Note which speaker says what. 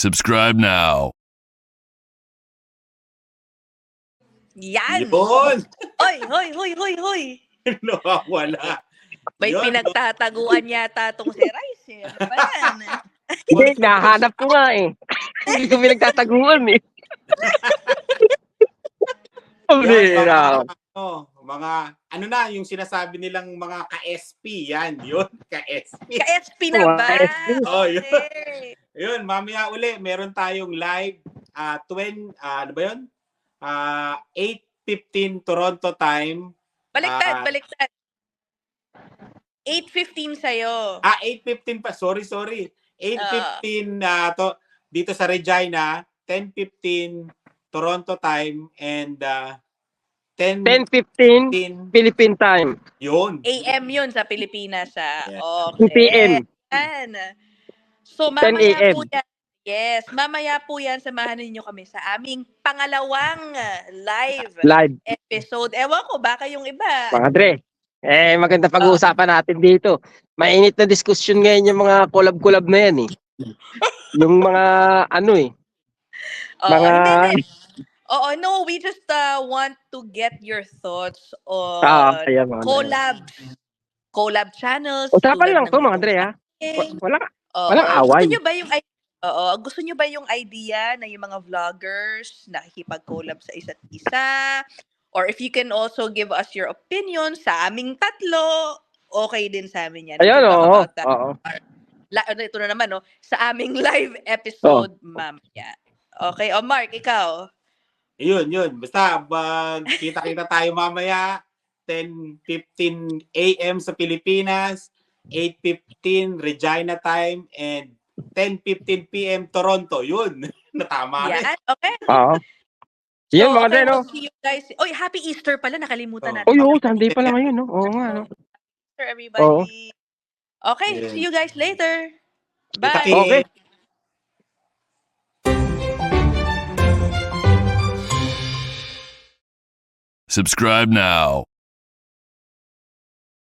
Speaker 1: Subscribe now.
Speaker 2: Yan!
Speaker 3: Yun!
Speaker 2: Hoy, hoy, hoy, hoy, hoy!
Speaker 3: Nawawala.
Speaker 2: May
Speaker 3: Yun,
Speaker 2: pinagtataguan yata tong si Rice. Eh. Ano ba yan?
Speaker 4: Hindi, nahanap ko nga eh. Hindi ko pinagtataguan eh.
Speaker 3: Yun,
Speaker 4: Pambira.
Speaker 3: mga, ano na, yung sinasabi nilang mga ka-SP, yan, yun, ka-SP.
Speaker 2: Ka-SP na ba?
Speaker 4: Ka-SP.
Speaker 3: Oh, yun.
Speaker 2: Okay.
Speaker 3: Yun, mamaya uli, meron tayong live, ano ba yun? 8:15 Toronto time.
Speaker 2: Baliktad. 8:15 sa'yo.
Speaker 3: 8:15 pa, sorry. 8:15 dito sa Regina, 10:15 Toronto time, and 10:15
Speaker 4: 10:15 Philippine time.
Speaker 3: yun.
Speaker 2: AM yun sa Pilipinas.
Speaker 3: Yeah.
Speaker 4: 2
Speaker 2: Okay.
Speaker 4: PM.
Speaker 2: Yan. So,
Speaker 4: 10
Speaker 2: mamaya
Speaker 4: AM.
Speaker 2: po yan. Yes, mamaya po yan, samahan ninyo kami sa aming pangalawang live
Speaker 4: Live.
Speaker 2: episode. Ewan ko, baka yung iba.
Speaker 4: Mga Dre. Maganda pag-uusapan natin dito. Mainit na diskusyon ngayon yung mga collab-collab na yan eh. Yung mga ano eh. Mga...
Speaker 2: Hindi. Oo, no, we just want to get your thoughts on
Speaker 4: Ayan, mga Dre.
Speaker 2: collab channels.
Speaker 4: Usapan
Speaker 2: tulad
Speaker 4: lang
Speaker 2: ng
Speaker 4: to mga Dre ha.
Speaker 2: ating-
Speaker 4: Walang
Speaker 2: Oo.
Speaker 4: away.
Speaker 2: Gusto nyo ba yung idea na yung mga vloggers nakikipag-collab sa isa't isa? Or if you can also give us your opinion sa aming tatlo, okay din sa amin yan.
Speaker 4: Ayan,
Speaker 2: We'll talk
Speaker 4: oo.
Speaker 2: about that.
Speaker 4: Oo.
Speaker 2: Ito na naman, no? Sa aming live episode, mamaya. Okay, Mark, ikaw.
Speaker 3: Yun. Basta, kita-kita tayo mamaya, 10:15 AM sa Pilipinas, 8:15 Regina time, and 10:15 PM Toronto. Yun. Natama na.
Speaker 2: Yan, okay.
Speaker 4: Oo. Yan mga Dre, no?
Speaker 2: we'll see you guys. Oy, happy Easter pala. Nakalimutan natin.
Speaker 4: Uy, Sunday pa lang ngayon, no? Oo nga, no?
Speaker 2: Easter, everybody.
Speaker 4: Oo.
Speaker 2: Okay,
Speaker 3: Yeah.
Speaker 2: see you guys later.
Speaker 3: Kita-kit.
Speaker 2: Bye.
Speaker 4: Okay.
Speaker 1: Subscribe now.